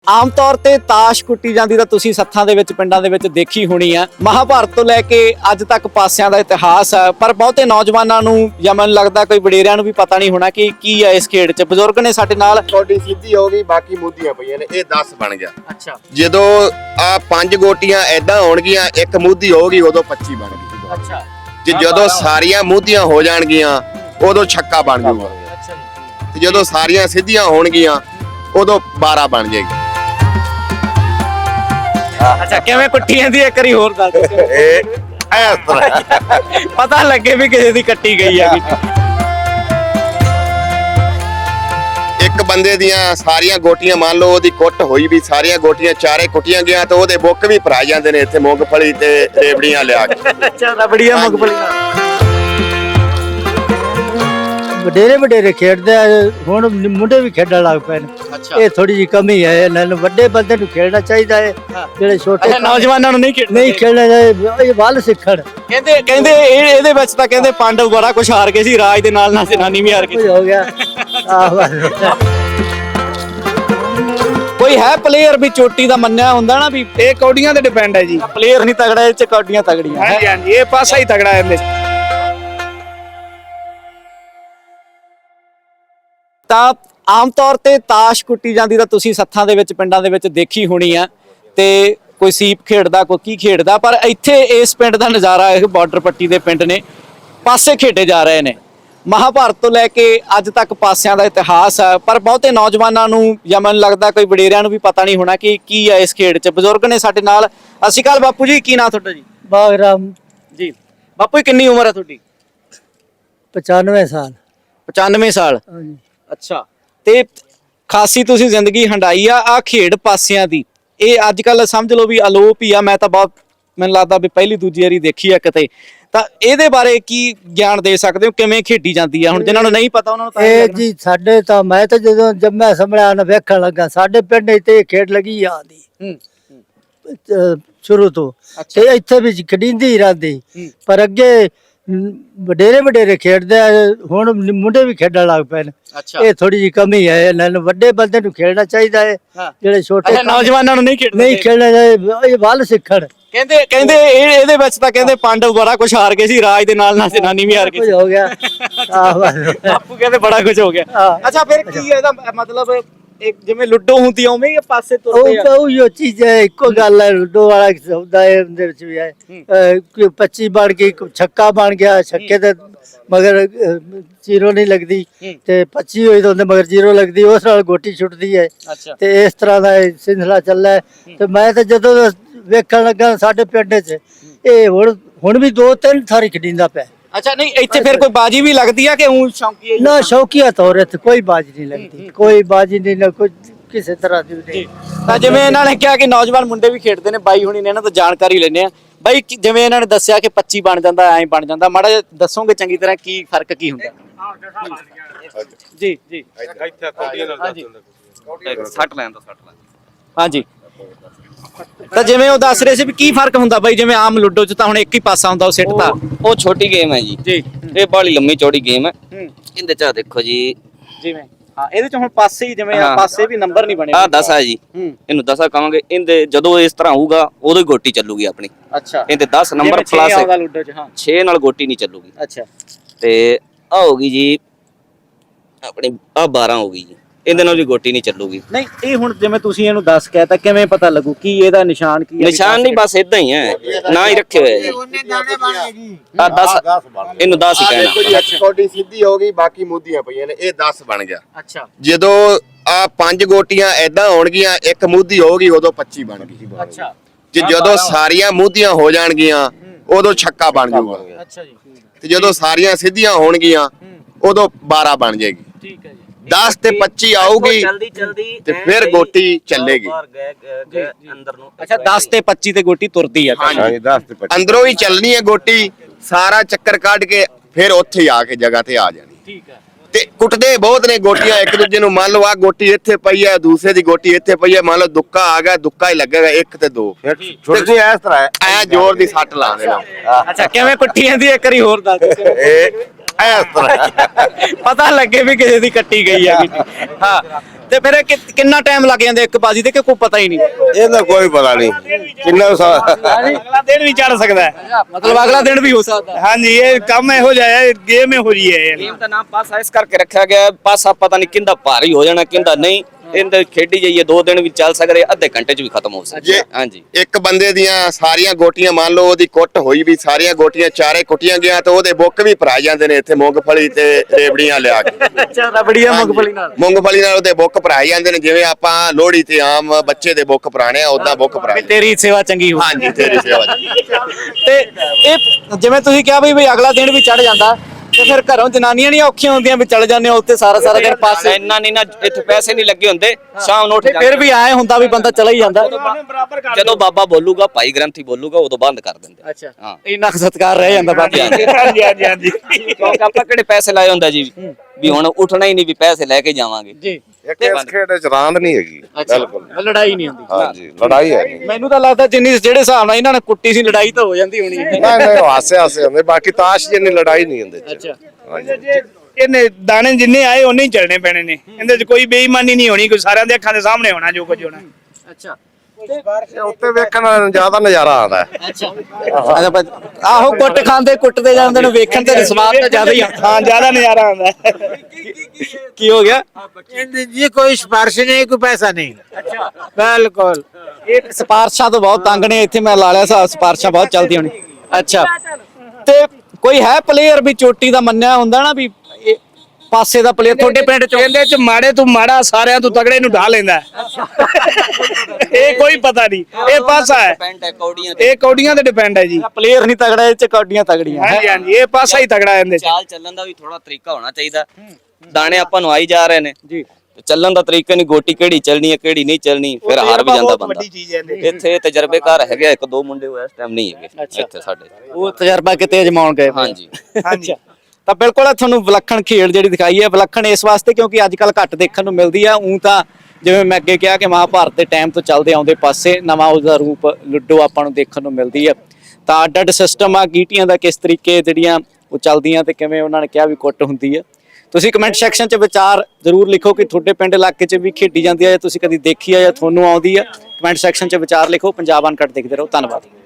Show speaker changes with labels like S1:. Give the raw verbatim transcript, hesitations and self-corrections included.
S1: ਆਮ ਤੌਰ ਤੇ ਤਾਸ਼ ਕੁੱਟੀ ਜਾਂਦੀ ਤਾਂ ਤੁਸੀਂ ਸੱਥਾਂ ਦੇ ਵਿੱਚ ਪਿੰਡਾਂ ਦੇ ਵਿੱਚ ਦੇਖੀ ਹੋਣੀ ਆ। ਮਹਾਭਾਰਤ ਤੋਂ ਲੈ ਕੇ ਅੱਜ ਤੱਕ ਪਾਸਿਆਂ ਦਾ ਇਤਿਹਾਸ ਆ, ਪਰ ਬਹੁਤੇ ਨੌਜਵਾਨਾਂ ਨੂੰ ਜਾਂ ਮੈਨੂੰ ਲੱਗਦਾ ਕੋਈ ਵਡੇਰਿਆਂ ਨੂੰ ਵੀ ਪਤਾ ਨਹੀਂ ਹੋਣਾ ਕਿ ਕੀ ਆ ਇਸ ਖੇਡ 'ਚ। ਬਜ਼ੁਰਗ ਨੇ ਸਾਡੇ ਨਾਲ।
S2: ਛੋਟੀ ਸਿੱਧੀ ਹੋ ਗਈ, ਬਾਕੀ ਮੁੱਦੀਆਂ ਪਈਆਂ ਨੇ, ਇਹ ਦਸ ਬਣ ਗਿਆ।
S1: ਅੱਛਾ,
S2: ਜਦੋਂ ਆ ਪੰਜ ਗੋਟੀਆਂ ਐਦਾਂ ਹੋਣਗੀਆਂ, ਇੱਕ ਮੁੱਦੀ ਹੋਊਗੀ, ਉਦੋਂ ਪੱਚੀ ਬਣ ਗਈ।
S1: ਅੱਛਾ,
S2: ਜੇ ਜਦੋਂ ਸਾਰੀਆਂ ਮੁੱਦੀਆਂ ਹੋ ਜਾਣਗੀਆਂ ਉਦੋਂ ਛੱਕਾ ਬਣ ਜਾਊਗਾ।
S1: ਅੱਛਾ ਜੀ।
S2: ਤੇ ਜਦੋਂ ਸਾਰੀਆਂ ਸਿੱਧੀਆਂ ਹੋਣਗੀਆਂ ਉਦੋਂ ਬਾਰਾਂ ਬਣ ਜਾਏਗੀ।
S1: ਅੱਛਾ, ਕਿਵੇਂ ਕੁੱਟੀ ਜਾਂਦੀ ਹੈ ਇੱਕ ਵਾਰੀ ਹੋਰ ਦੱਸ ਦਿਓ।
S2: ਇਹ ਇਸ ਤਰ੍ਹਾਂ
S1: ਪਤਾ ਲੱਗੇ ਵੀ ਕਿਸੇ ਦੀ ਕੱਟੀ ਗਈ ਹੈ।
S2: ਇੱਕ ਬੰਦੇ ਦੀਆਂ ਸਾਰੀਆਂ ਗੋਟੀਆਂ, ਮੰਨ ਲਓ ਉਹਦੀ ਕੁੱਟ ਹੋਈ ਵੀ ਸਾਰੀਆਂ ਗੋਟੀਆਂ ਚਾਰੇ ਕੁੱਟੀਆਂ ਗਿਆ ਤਾਂ ਉਹਦੇ ਬੁੱਕ ਵੀ ਭਰਾਏ ਜਾਂਦੇ ਨੇ ਇੱਥੇ ਮੂੰਗਫਲੀ ਤੇ ਰੇਵੜੀਆਂ ਲਿਆ ਕੇ।
S1: ਅੱਛਾ, ਰਬੜੀਆਂ ਮੂੰਗਫਲੀਆਂ।
S3: ਵਡੇਰੇ ਵਡੇਰੇ ਖੇਡਦੇ ਆ, ਹੁਣ ਮੁੰਡੇ ਵੀ ਖੇਡਣ ਲੱਗ ਪਏ ਨੇ। ਇਹ ਥੋੜੀ ਜਿਹੀ ਕਮੀ ਹੈ, ਇਹਨਾਂ ਨੂੰ ਵੱਡੇ ਬੰਦੇ ਨੂੰ ਖੇਡਣਾ ਚਾਹੀਦਾ ਹੈ, ਜਿਹੜੇ ਛੋਟੇ
S1: ਨੌਜਵਾਨਾਂ ਨੂੰ ਨਹੀਂ ਖੇਡਣਾ
S3: ਨਹੀਂ ਖੇਡਣਾ ਚਾਹੀਦਾ, ਇਹ ਵੱਲ ਸਿੱਖਣ।
S1: ਕਹਿੰਦੇ ਕਹਿੰਦੇ ਇਹ ਇਹਦੇ ਵਿੱਚ ਤਾਂ ਕਹਿੰਦੇ ਪਾਂਡਵ ਬੜਾ ਕੁਝ ਹਾਰ ਗਏ ਸੀ, ਰਾਜ ਦੇ ਨਾਲ ਨਾਲ ਜਨਾਨੀ ਵੀ ਹਾਰ ਗਈ
S3: ਹੋ ਗਿਆ। ਆਹ
S1: ਕੋਈ ਹੈ ਪਲੇਅਰ ਵੀ ਚੋਟੀ ਦਾ ਮੰਨਿਆ ਹੁੰਦਾ ਨਾ ਵੀ
S4: ਇਹ ਕੌਡੀਆਂ ਤੇ ਡਿਪੈਂਡ ਹੈ ਜੀ।
S1: ਪਲੇਅਰ ਨਹੀਂ ਤਗੜਾ, ਇਹ ਚ ਕੌਡੀਆਂ ਤਗੜੀਆਂ।
S4: ਹਾਂਜੀ ਹਾਂਜੀ, ਇਹ ਪਾਸਾ ਹੀ ਤਗੜਾ ਹੈ।
S1: ਤਾਂ ਆਮ ਤੌਰ ਤੇ ਤਾਸ਼ ਕੁੱਟੀ ਜਾਂਦੀ ਤਾਂ ਤੁਸੀਂ ਸੱਥਾਂ ਦੇ ਵਿੱਚ ਪਿੰਡਾਂ ਦੇ ਵਿੱਚ ਦੇਖੀ ਹੋਣੀ ਆ, ਤੇ ਕੋਈ ਸੀਪ ਖੇਡਦਾ, ਕੋਈ ਕੀ ਖੇਡਦਾ, ਪਰ ਇੱਥੇ ਇਸ ਪਿੰਡ ਦਾ ਨਜ਼ਾਰਾ ਇਹ ਬਾਰਡਰ ਪੱਟੀ ਦੇ ਪਿੰਡ ਨੇ, ਪਾਸੇ ਖੇਡੇ ਜਾ ਰਹੇ ਨੇ। ਮਹਾਭਾਰਤ ਤੋਂ ਲੈ ਕੇ ਅੱਜ ਤੱਕ ਪਾਸਿਆਂ ਦਾ ਇਤਿਹਾਸ ਆ, ਪਰ ਬਹੁਤੇ ਨੌਜਵਾਨਾਂ ਨੂੰ ਜਾਂ ਮੈਨੂੰ ਲੱਗਦਾ ਕੋਈ ਵਡੇਰਿਆਂ ਨੂੰ ਵੀ ਪਤਾ ਨਹੀਂ ਹੋਣਾ ਕਿ ਕੀ ਆ ਇਸ ਖੇਡ 'ਚ। ਬਜ਼ੁਰਗ ਨੇ ਸਾਡੇ ਨਾਲ। ਸਤਿ ਸ਼੍ਰੀ ਅਕਾਲ ਬਾਪੂ ਜੀ, ਕੀ ਨਾਂ ਤੁਹਾਡਾ ਜੀ?
S3: ਬਾਗਰਾਮ
S1: ਜੀ। ਬਾਪੂ ਜੀ ਕਿੰਨੀ ਉਮਰ ਹੈ ਤੁਹਾਡੀ?
S3: ਪਚਾਨਵੇਂ ਸਾਲ।
S1: ਪਚਾਨਵੇਂ ਸਾਲ।
S3: ਹਾਂਜੀ।
S1: ਅੱਛਾ, ਤੇ ਖਾਸੀ ਤੁਸੀਂ ਜ਼ਿੰਦਗੀ ਹੰਡਾਈ ਆ। ਆ ਖੇਡ ਪਾਸਿਆਂ ਦੀ ਇਹ ਅੱਜ ਕੱਲ ਸਮਝ ਲਓ ਵੀ ਅਲੋਪ ਹੀ ਆ। ਮੈਂ ਤਾਂ ਬਹੁਤ ਮੈਨੂੰ ਲੱਗਦਾ ਵੀ ਪਹਿਲੀ ਦੂਜੀ ਵਾਰੀ ਦੇਖੀ ਆ ਕਿਤੇ। ਤਾਂ ਇਹਦੇ ਬਾਰੇ ਕੀ ਗਿਆਨ ਦੇ ਸਕਦੇ ਹੋ, ਕਿਵੇਂ ਖੇਡੀ ਜਾਂਦੀ ਆ? ਹੁਣ ਜਿਨ੍ਹਾਂ ਨੂੰ ਨਹੀਂ ਪਤਾ ਉਹਨਾਂ ਨੂੰ ਤਾਂ
S3: ਇਹ ਜੀ ਸਾਡੇ ਤਾਂ ਮੈਂ ਤਾਂ ਜਦੋਂ ਜੰਮਿਆ ਸੰਭਲਿਆ ਨਾ ਵੇਖਣ ਲੱਗਾ, ਸਾਡੇ ਪਿੰਡ ਤੇ ਇਹ ਖੇਡ ਲੱਗੀ ਆਦੀ
S1: ਹੂੰ
S3: ਸ਼ੁਰੂ ਤੋਂ, ਤੇ ਇੱਥੇ ਵੀ ਖੜੀਂਦੀ ਰਹਿੰਦੀ। ਪਰ ਅੱਗੇ ਵਡੇਰੇ ਵਡੇਰੇ ਖੇਡਦੇ ਆ, ਹੁਣ ਮੁੰਡੇ ਵੀ ਖੇਡਣ ਲੱਗ ਪਏ ਨੇ। ਇਹ ਥੋੜੀ ਜਿਹੀ ਕਮੀ ਹੈ, ਇਹਨਾਂ ਨੂੰ ਵੱਡੇ ਬੰਦੇ ਨੂੰ ਖੇਡਣਾ ਚਾਹੀਦਾ ਹੈ, ਜਿਹੜੇ ਛੋਟੇ
S1: ਨੌਜਵਾਨਾਂ ਨੂੰ ਨਹੀਂ ਖੇਡਣਾ
S3: ਨਹੀਂ ਖੇਡਣਾ ਚਾਹੀਦਾ, ਇਹ ਵੱਲ ਸਿੱਖਣ।
S1: ਕਹਿੰਦੇ ਕਹਿੰਦੇ ਇਹ ਇਹਦੇ ਵਿੱਚ ਤਾਂ ਕਹਿੰਦੇ ਪਾਂਡਵ ਬੜਾ ਕੁਝ ਹਾਰ ਗਏ ਸੀ, ਰਾਜ ਦੇ ਨਾਲ ਨਾਲ ਜਨਾਨੀ ਵੀ ਹਾਰ ਗਈ
S3: ਹੋ ਗਿਆ। ਆਹ
S1: ਬਾਪੂ ਕਹਿੰਦੇ ਬੜਾ ਕੁਝ ਹੋ ਗਿਆ। ਅੱਛਾ, ਫਿਰ ਕੀ ਹੈ ਇਹਦਾ ਮਤਲਬ? ਇੱਕ ਜਿਵੇਂ ਲੁੱਡੋ ਹੁੰਦੀ ਆ ਉਵੇਂ ਹੀ ਪਾਸੇ ਤੁਰਦੇ ਆ?
S3: ਉਹ ਉਹ ਚੀਜ਼ ਹੈ, ਇੱਕੋ ਗੱਲ ਹੈ। ਲੁੱਡੋ ਵਾਲਾ ਸੌਦਾ ਹੈ, ਉਹਦੇ ਵਿੱਚ ਵੀ ਹੈ ਕੋਈ ਪੱਚੀ ਬਣ ਗਈ, ਕੋਈ ਛੱਕਾ ਬਣ ਗਿਆ, ਛੱਕੇ ਤੇ ਮਗਰ ਜ਼ੀਰੋ ਨਹੀਂ ਲੱਗਦੀ, ਤੇ ਪੱਚੀ ਹੋਈ ਤਾਂ ਉਹਦੇ ਮਗਰ ਜ਼ੀਰੋ ਲੱਗਦੀ, ਉਸ ਨਾਲ ਗੋਟੀ ਛੁੱਟਦੀ ਹੈ। ਤੇ ਇਸ ਤਰ੍ਹਾਂ ਦਾ ਸਿਲਸਿਲਾ ਚੱਲਦਾ ਹੈ। ਤੇ ਮੈਂ ਤਾਂ ਜਦੋਂ ਵੇਖਣ ਲੱਗਾ ਸਾਡੇ ਪਿੰਡ 'ਚ ਇਹ ਹੁਣ ਹੁਣ ਵੀ ਦੋ ਤਿੰਨ ਥਾਰੀ ਖੇਡੀਂਦਾ ਪਿਆ।
S1: ਅੱਛਾ, ਨਹੀਂ ਇੱਥੇ ਫਿਰ ਕੋਈ ਬਾਜੀ ਵੀ ਲੱਗਦੀ ਆ ਕਿ ਉਹ ਸ਼ੌਂਕੀ?
S3: ਨਾ, ਸ਼ੌਕੀਆ ਤੌਰ ਤੇ ਕੋਈ ਬਾਜੀ ਨਹੀਂ ਲੱਗਦੀ, ਕੋਈ ਬਾਜੀ ਨਹੀਂ, ਨਾ ਕੋਈ ਕਿਸੇ ਤਰ੍ਹਾਂ ਦੀ ਨਹੀਂ।
S1: ਤਾਂ ਜਿਵੇਂ ਇਹਨਾਂ ਨੇ ਕਿਹਾ ਕਿ ਨੌਜਵਾਨ ਮੁੰਡੇ ਵੀ ਖੇਡਦੇ ਨੇ, ਬਾਈ ਹੁਣੀ ਨੇ ਇਹਨਾਂ ਤੋਂ ਜਾਣਕਾਰੀ ਲੈਣੇ ਆ। ਬਾਈ ਜਿਵੇਂ ਇਹਨਾਂ ਨੇ ਦੱਸਿਆ ਕਿ ਪੱਚੀ ਬਣ ਜਾਂਦਾ, ਐਂ ਬਣ ਜਾਂਦਾ, ਮਾੜਾ ਜਿਹਾ ਦੱਸੋਗੇ ਚੰਗੀ ਤਰ੍ਹਾਂ ਕੀ ਫਰਕ ਕੀ ਹੁੰਦਾ? ਜੀ ਜੀ
S5: ਸੱਟ ਲੈਣ ਦਾ ਸੱਟ ਲੈਣ
S1: ਹਾਂਜੀ। ਤਾਂ ਜਿਵੇਂ ਉਹ ਦੱਸ ਰਹੇ ਸੀ ਵੀ ਕੀ ਫਰਕ ਹੁੰਦਾ ਬਾਈ? ਜਿਵੇਂ ਆਮ ਲੁੱਡੋ 'ਚ ਤਾਂ ਹੁਣ ਇੱਕ ਹੀ ਪਾਸਾ ਹੁੰਦਾ, ਉਹ ਸਿੱਟ ਤਾਂ
S5: ਉਹ ਛੋਟੀ ਗੇਮ ਹੈ ਜੀ।
S1: ਜੀ,
S5: ਇਹ ਬਾਲੀ ਲੰਮੀ ਚੌੜੀ ਗੇਮ ਹੈ। ਇਹਦੇ ਚ ਦੇਖੋ ਜੀ,
S1: ਜਿਵੇਂ ਹਾਂ ਇਹਦੇ 'ਚ ਹੁਣ ਪਾਸੇ ਹੀ ਜਿਵੇਂ ਪਾਸੇ ਵੀ ਨੰਬਰ ਨਹੀਂ ਬਣੇ।
S5: ਆਹ ਦਸ ਹੈ ਜੀ, ਇਹਨੂੰ ਦਸਾ ਕਹਾਂਗੇ। ਇਹਦੇ ਜਦੋਂ ਇਸ ਤਰ੍ਹਾਂ ਹੋਊਗਾ ਉਦੋਂ ਹੀ ਗੋਟੀ ਚੱਲੂਗੀ ਆਪਣੀ।
S1: ਅੱਛਾ,
S5: ਇਹਦੇ ਦਸ ਨੰਬਰ ਪਲੱਸ
S1: ਹੈ ਲੁੱਡੋ 'ਚ। ਹਾਂ,
S5: ਛੇ ਨਾਲ ਗੋਟੀ ਨਹੀਂ ਚੱਲੂਗੀ।
S1: ਅੱਛਾ,
S5: ਤੇ ਆ ਹੋ ਗਈ ਜੀ ਆਪਣੀ, ਆ ਬਾਰਾਂ ਹੋ ਗਈ ਜੀ, ਇਹਦੇ ਨਾਲ ਵੀ ਗੋਟੀ ਨਹੀਂ ਚੱਲੂਗੀ।
S1: ਨਹੀਂ ਇਹ ਹੁਣ ਜਿਵੇਂ ਤੁਸੀਂ ਇਹਨੂੰ ਦਸ ਕਹਿ ਤਾਂ ਕਿਵੇਂ ਪਤਾ ਲੱਗੂ ਕੀ ਇਹਦਾ ਨਿਸ਼ਾਨ ਕੀ ਹੈ?
S5: ਨਿਸ਼ਾਨ ਨਹੀਂ, ਬਸ ਇਦਾਂ ਹੀ ਹੈ, ਨਾ ਹੀ ਰੱਖੇ ਹੋਏ ਜੀ। ਆ ਦਸ, ਇਹਨੂੰ ਦਸ ਹੀ ਕਹਿਣਾ।
S2: ਛੋਟੀ ਸਿੱਧੀ ਹੋ ਗਈ, ਬਾਕੀ ਮੁੱਦੀਆਂ ਪਈਆਂ ਨੇ, ਇਹ ਦਸ ਬਣ ਗਿਆ।
S1: ਅੱਛਾ,
S2: ਜਦੋਂ ਆ ਪੰਜ ਗੋਟੀਆਂ ਐਦਾਂ ਹੋਣਗੀਆਂ, ਇੱਕ ਮੁੱਦੀ ਹੋਊਗੀ, ਉਦੋਂ ਪੱਚੀ ਬਣ ਗਈ।
S1: ਅੱਛਾ,
S2: ਜੇ ਜਦੋਂ ਸਾਰੀਆਂ ਮੁੱਦੀਆਂ ਹੋ ਜਾਣਗੀਆਂ ਉਦੋਂ ਛੱਕਾ ਬਣ ਜਾਊਗਾ।
S1: ਅੱਛਾ ਜੀ।
S2: ਤੇ ਜਦੋਂ ਸਾਰੀਆਂ ਸਿੱਧੀਆਂ ਹੋਣਗੀਆਂ ਉਦੋਂ ਬਾਰਾਂ ਬਣ ਜਾਏਗੀ।
S1: ਠੀਕ ਹੈ ਜੀ।
S2: ਦਸ ਤੇ ਪੱਚੀ ਆਊਗੀ
S5: ਜਲਦੀ ਜਲਦੀ
S2: ਤੇ ਫਿਰ ਗੋਟੀ ਚੱਲੇਗੀ।
S5: ਅੰਦਰ ਨੂੰ।
S1: ਅੱਛਾ, ਦਸ ਤੇ ਪੱਚੀ ਤੇ ਗੋਟੀ ਤੁਰਦੀ ਆ?
S2: ਹਾਂਜੀ, ਦਸ ਤੇ ਪੱਚੀ ਅੰਦਰੋਂ ਹੀ ਚੱਲਣੀ ਹੈ ਗੋਟੀ, ਸਾਰਾ ਚੱਕਰ ਕੱਢ ਕੇ ਫਿਰ ਉੱਥੇ ਆ ਕੇ ਜਗ੍ਹਾ ਤੇ ਆ ਜਾਣੀ।
S1: ਠੀਕ ਹੈ।
S2: ਤੇ ਕੁੱਟਦੇ ਬਹੁਤ ਨੇ ਗੋਟੀਆਂ ਇੱਕ ਦੂਜੇ ਨੂੰ। ਮੰਨ ਲਓ ਆ ਗੋਟੀ ਇੱਥੇ ਪਈ ਹੈ, ਦੂਸਰੇ ਦੀ ਗੋਟੀ ਇੱਥੇ ਪਈ ਹੈ, ਮੰਨ ਲਓ ਦੁੱਕਾ ਆ ਗਿਆ, ਦੁੱਕਾ ਹੀ ਲੱਗੇਗਾ ਇੱਕ ਤੇ ਦੋ। ਛੋਟੀ ਇਸ ਤਰ੍ਹਾਂ ਐ ਜ਼ੋਰ ਦੀ ਸੱਟ ਲਾ ਦੇਣਾ।
S1: ਅੱਛਾ, ਕਿਵੇਂ ਕੁੱਟੀ ਜਾਂਦੀ ਇੱਕ ਵਾਰੀ ਹੋਰ ਦੱਸ ਦਿਓ।
S2: ਇਹ ਇਸ ਤਰ੍ਹਾਂ
S1: ਪਤਾ ਲੱਗੇ ਵੀ ਕਿਸੇ ਦੀ ਕੱਟੀ ਗਈ ਹੈ। ਹਾਂ, ਤੇ ਫਿਰ ਇਹ ਕਿ- ਕਿੰਨਾ ਟਾਈਮ ਲੱਗ ਜਾਂਦਾ ਇੱਕ ਬਾਜੀ ਤੇ ਕਿ ਕੋਈ ਪਤਾ ਹੀ ਨਹੀਂ
S2: ਇਹਦਾ ਕੋਈ ਪਤਾ ਨਹੀਂ ਕਿੰਨਾ ਸਾ
S4: ਅਗਲਾ ਦਿਨ ਵੀ ਚੜ ਸਕਦਾ ਹੈ।
S1: ਮਤਲਬ ਅਗਲਾ ਦਿਨ ਵੀ ਹੋ ਸਕਦਾ
S4: ਹਾਂਜੀ ਇਹ ਕੰਮ ਇਹੋ ਜਿਹਾ ਹੈ, ਗੇਮ ਇਹੋ ਜਿਹੀ ਹੈ।
S5: ਗੇਮ ਦਾ ਨਾਮ ਪਾਸਾ ਇਸ ਕਰਕੇ ਰੱਖਿਆ ਗਿਆ ਹੈ, ਪਾਸਾ ਪਤਾ ਨਹੀਂ ਕਿੰਦਾ ਭਾਰੀ ਹੋ ਜਾਣਾ ਕਿੰਦਾ ਨਹੀਂ ਇਹਦੇ ਖੇਡੀ ਜਾਈਏ ਦੋ ਦਿਨ ਵੀ ਚੱਲ ਸਕਦੇ ਅੱਧੇ ਘੰਟੇ ਚ ਵੀ ਖਤਮ ਹੋ ਸਕਦਾ
S2: ਜੇ-
S5: ਹਾਂਜੀ
S2: ਇੱਕ ਬੰਦੇ ਦੀਆਂ ਸਾਰੀਆਂ ਗੋਟੀਆਂ ਮੰਨ ਲਓ ਉਹਦੀ ਕੁੱਟ ਹੋਈ ਵੀ ਸਾਰੀਆਂ ਗੋਟੀਆਂ ਚਾਰੇ ਕੁੱਟੀਆਂ ਗਿਆ ਤਾਂ ਉਹਦੇ ਬੁੱਕ ਵੀ ਭਰਾਏ ਜਾਂਦੇ ਨੇ ਇੱਥੇ ਮੂੰਗਫਲੀ ਤੇ ਰੇਵੜੀਆਂ ਲਿਆ ਕੇ
S1: ਅੱਛਾ ਰਬੜੀਆਂ ਮੂੰਗਫਲੀ ਨਾਲ
S2: ਮੂੰਗਫਲੀ ਨਾਲ ਉਹਦੇ ਬੁੱਕ ਭਰਾਏ ਜਾਂਦੇ ਨੇ ਜਿਵੇਂ ਆਪਾਂ ਲੋਹੜੀ ਤੇ ਆਮ ਬੱਚੇ ਦੇ ਬੁੱਕ ਭਰਾਣੇ ਆ ਉਦਾਂ ਬੁੱਕ
S1: ਵੀ
S2: ਭਰਾਏ
S1: ਤੇਰੀ ਸੇਵਾ ਚੰਗੀ ਹੋ
S2: ਹਾਂਜੀ ਤੇਰੀ ਸੇਵਾ ਜੀ।
S1: ਤੇ ਇਹ ਜਿਵੇਂ ਤੁਸੀਂ ਕਿਹਾ ਵੀ ਵੀ ਅਗਲਾ ਦਿਨ ਵੀ ਚੜ ਜਾਂਦਾ ਤੇ ਫਿਰ ਘਰੋਂ ਜਨਾਨੀਆਂ ਨਹੀਂ ਔਖੀਆਂ ਹੁੰਦੀਆਂ ਵੀ ਚਲ ਜਾਂਦੇ ਹੋ ਉੱਥੇ ਸਾਰਾ ਸਾਰਾ ਦਿਨ ਪਾਸੇ
S5: ਇੰਨਾ ਨਹੀਂ ਨਾ ਇੱਥੇ ਪੈਸੇ ਨਹੀਂ ਲੱਗੇ ਹੁੰਦੇ ਸ਼ਾਮ ਨੂੰ ਉੱਠ
S1: ਤੇ ਫਿਰ ਵੀ ਆਏ ਹੁੰਦਾ ਵੀ ਬੰਦਾ ਚਲਾ ਹੀ ਜਾਂਦਾ
S5: ਜਦੋਂ ਬਾਬਾ ਬੋਲੂਗਾ ਭਾਈ ਗ੍ਰੰਥੀ ਬੋਲੂਗਾ ਉਦੋਂ ਬੰਦ ਕਰ ਦਿੰਦੇ
S1: ਅੱਛਾ
S5: ਹਾਂ
S1: ਇੰਨਾ ਕੁ ਸਤਿਕਾਰ ਰਹਿ ਜਾਂਦਾ ਬਾਬਾ
S5: ਹਾਂਜੀ
S4: ਹਾਂਜੀ ਹਾਂਜੀ ਹਾਂਜੀ
S5: ਕਿਉਂਕਿ ਆਪਾਂ ਕਿਹੜੇ ਪੈਸੇ ਲਾਏ ਹੁੰਦਾ ਜੀ ਵੀ ਹੁਣ ਉੱਠਣਾ ਹੀ ਨਹੀਂ ਵੀ ਪੈਸੇ ਲੈ ਕੇ ਜਾਵਾਂਗੇ
S1: ਜੀ
S6: ਇੱਕ ਇਸ ਖੇਡ ਚ ਰਾਂਦ ਨਹੀਂ ਹੈਗੀ
S1: ਅੱਛਾ ਲੜਾਈ ਨਹੀਂ ਹੁੰਦੀ
S6: ਹਾਂਜੀ ਲੜਾਈ ਹੈ ਨਹੀਂ
S1: ਮੈਨੂੰ ਤਾਂ ਲੱਗਦਾ ਜਿੰਨੀ ਜਿਹੜੇ ਹਿਸਾਬ ਨਾਲ ਇਹਨਾਂ ਨੇ ਕੁੱਟੀ ਸੀ ਲੜਾਈ ਤਾਂ ਹੋ ਜਾਂਦੀ ਹੋਣੀ ਹੈ
S6: ਨਹੀਂ ਨਹੀਂ ਹਾਸੇ ਹਾਸੇ ਹੁੰਦੇ ਬਾਕੀ ਤਾਸ਼ ਜਿੰਨੀ ਲੜਾਈ ਨਹੀਂ ਹੁੰਦੀ
S1: ਅੱਛਾ
S4: ਜੇ ਇਹਨੇ ਦਾਣੇ ਜਿੰਨੇ ਆਏ ਉਹਨੇ ਹੀ ਚੱਲਣੇ ਪੈਣੇ ਨੇ ਇਹਦੇ 'ਚ ਕੋਈ ਬੇਈਮਾਨੀ ਨਹੀਂ ਹੋਣੀ ਕੋਈ ਸਾਰਿਆਂ ਦੇ ਅੱਖਾਂ ਦੇ ਸਾਹਮਣੇ ਹੋਣਾ ਜੋ ਕੁਝ ਹੋਣਾ
S1: ਅੱਛਾ
S6: ਉੱਤੇ ਵੇਖਣ ਨਾਲ ਜ਼ਿਆਦਾ ਨਜ਼ਾਰਾ ਆਉਂਦਾ ਹੈ
S1: ਅੱਛਾ ਆਹੋ ਕੁੱਟ ਖਾਂਦੇ ਕੁੱਟਦੇ ਜਾਂਦੇ ਨੂੰ ਵੇਖਣ ਤੇ ਸਵਾਦ ਤਾਂ ਜ਼ਿਆਦਾ ਹੀ ਆਉਂਦਾ
S4: ਹਾਂ ਜ਼ਿਆਦਾ ਨਜ਼ਾਰਾ ਆਉਂਦਾ ਹੈ।
S1: ਕੀ ਹੋ ਗਿਆ
S7: जी कोई सिफारिश नहीं कोई पैसा नहीं बिल्कुल
S1: ਇਹ ਸਪਾਰਸ਼ਾਂ ਤੋਂ ਬਹੁਤ ਤੰਗ ਨੇ ਇੱਥੇ ਮੈਂ ਲਾ ਲਿਆ ਹਿਸਾਬ ਸਪਾਰਸ਼ਾਂ ਬਹੁਤ ਚੱਲਦੀਆਂ ਹੋਣੀ ਅੱਛਾ ਤੇ ਕੋਈ ਹੈ ਪਲੇਅਰ ਵੀ ਚੋਟੀ ਦਾ ਮੰਨਿਆ ਹੁੰਦਾ ਨਾ ਵੀ ਇਹ ਪਾਸੇ ਦਾ ਪਲੇਅਰ ਤੁਹਾਡੇ ਪਿੰਡ ਚ
S4: ਇਹਦੇ 'ਚ ਮਾੜੇ ਤੋਂ ਮਾੜਾ ਸਾਰਿਆਂ ਤੋਂ ਤਗੜੇ ਨੂੰ ਢਾ ਲੈਂਦਾ ਹੈ। ਇਹ ਕੋਈ ਪਤਾ ਨਹੀਂ ਇਹ ਪਾਸਾ ਹੈ
S5: ਪੈਂਟ ਹੈ ਕੌਡੀਆਂ ਤੇ
S4: ਇਹ ਕੌਡੀਆਂ ਤੇ ਡਿਪੈਂਡ ਹੈ ਜੀ
S1: ਪਲੇਅਰ ਨਹੀਂ ਤਗੜਾ ਇਹ ਚ ਕੌਡੀਆਂ ਤਗੜੀਆਂ
S4: ਹਾਂਜੀ ਹਾਂਜੀ ਇਹ ਪਾਸਾ ਹੀ ਤਗੜਾ ਇਹਦੇ 'ਚ
S5: ਚਾਲ ਚੱਲਣ ਦਾ ਵੀ ਥੋੜਾ ਤਰੀਕਾ ਹੋਣਾ ਚਾਹੀਦਾ ਦਾਣੇ ਆਪਾਂ ਨੂੰ ਆਈ ਜਾ ਰਹੇ ਨੇ
S1: ਜੀ
S5: ਤੇ ਚੱਲਣ ਦਾ ਤਰੀਕਾ ਨਹੀਂ ਗੋਟੀ ਕਿਹੜੀ ਚੱਲਣੀ ਹੈ ਕਿਹੜੀ ਨਹੀਂ ਚੱਲਣੀ ਫਿਰ ਹਾਰ ਵੀ ਜਾਂਦਾ
S4: ਬਹੁਤ
S5: ਬੰਦਾ
S4: ਵੱਡੀ ਚੀਜ਼ ਹੈ ਇਹਦੇ 'ਚ।
S5: ਇੱਥੇ ਤਜਰਬੇਕਾਰ ਹੈਗੇ ਆ, ਇੱਕ ਦੋ ਮੁੰਡੇ ਹੋਏ ਇਸ ਟਾਈਮ ਨਹੀਂ ਹੈਗੇ
S1: ਅੱਛਾ।
S5: ਇੱਥੇ ਸਾਡੇ
S1: ਉਹ ਤਜਰਬਾ ਕਿਤੇ ਅਜਮਾਉਣ ਗਏ ਹੋਏ।
S5: ਹਾਂਜੀ
S4: ਹਾਂਜੀ
S1: ਤਾਂ ਬਿਲਕੁਲ ਇਹ ਤੁਹਾਨੂੰ ਵਿਲੱਖਣ ਖੇਡ ਜਿਹੜੀ ਦਿਖਾਈ ਹੈ ਵਿਲੱਖਣ ਇਸ ਵਾਸਤੇ ਕਿਉਂਕਿ ਅੱਜ ਕੱਲ ਘੱਟ ਦੇਖਣ ਨੂੰ ਮਿਲਦੀ ਆ ਉਂ ਤਾਂ ਜਿਵੇਂ ਮੈਂ ਅੱਗੇ ਕਿਹਾ ਕਿ ਮਹਾਭਾਰਤ ਦੇ ਟਾਈਮ ਤੋਂ ਚੱਲਦੇ ਆਉਂਦੇ ਪਾਸੇ ਨਵਾਂ ਉਹਦਾ ਰੂਪ ਲੁੱਡੋ ਆਪਾਂ ਨੂੰ ਦੇਖਣ ਨੂੰ ਮਿਲਦੀ ਆ ਤਾਂ ਅੱਡ ਅੱਡ ਸਿਸਟਮ ਆ ਗੀਟੀਆਂ ਦਾ ਕਿਸ ਤਰੀਕੇ ਜਿਹੜੀਆਂ ਉਹ ਚੱਲਦੀਆਂ ਤੇ ਕਿਵੇਂ ਉਹਨਾਂ ਨੇ ਕਿਹਾ ਵੀ ਕੁੱਟ ਹੁੰਦੀ ਆ ਤੁਸੀਂ ਕਮੈਂਟ ਸੈਕਸ਼ਨ 'ਚ ਵਿਚਾਰ ਜ਼ਰੂਰ ਲਿਖੋ ਕਿ ਤੁਹਾਡੇ ਪਿੰਡ ਇਲਾਕੇ 'ਚ ਵੀ ਖੇਡੀ ਜਾਂਦੀ ਆ ਜਾਂ ਤੁਸੀਂ ਕਦੀ ਦੇਖੀ ਆ ਜਾਂ ਤੁਹਾਨੂੰ ਆਉਂਦੀ ਆ ਕਮੈਂਟ ਸੈਕਸ਼ਨ 'ਚ ਵਿਚਾਰ ਲਿਖੋ ਪੰਜਾਬ ਅਨਕਟ ਦੇਖਦੇ ਰਹੋ ਧੰਨਵਾਦ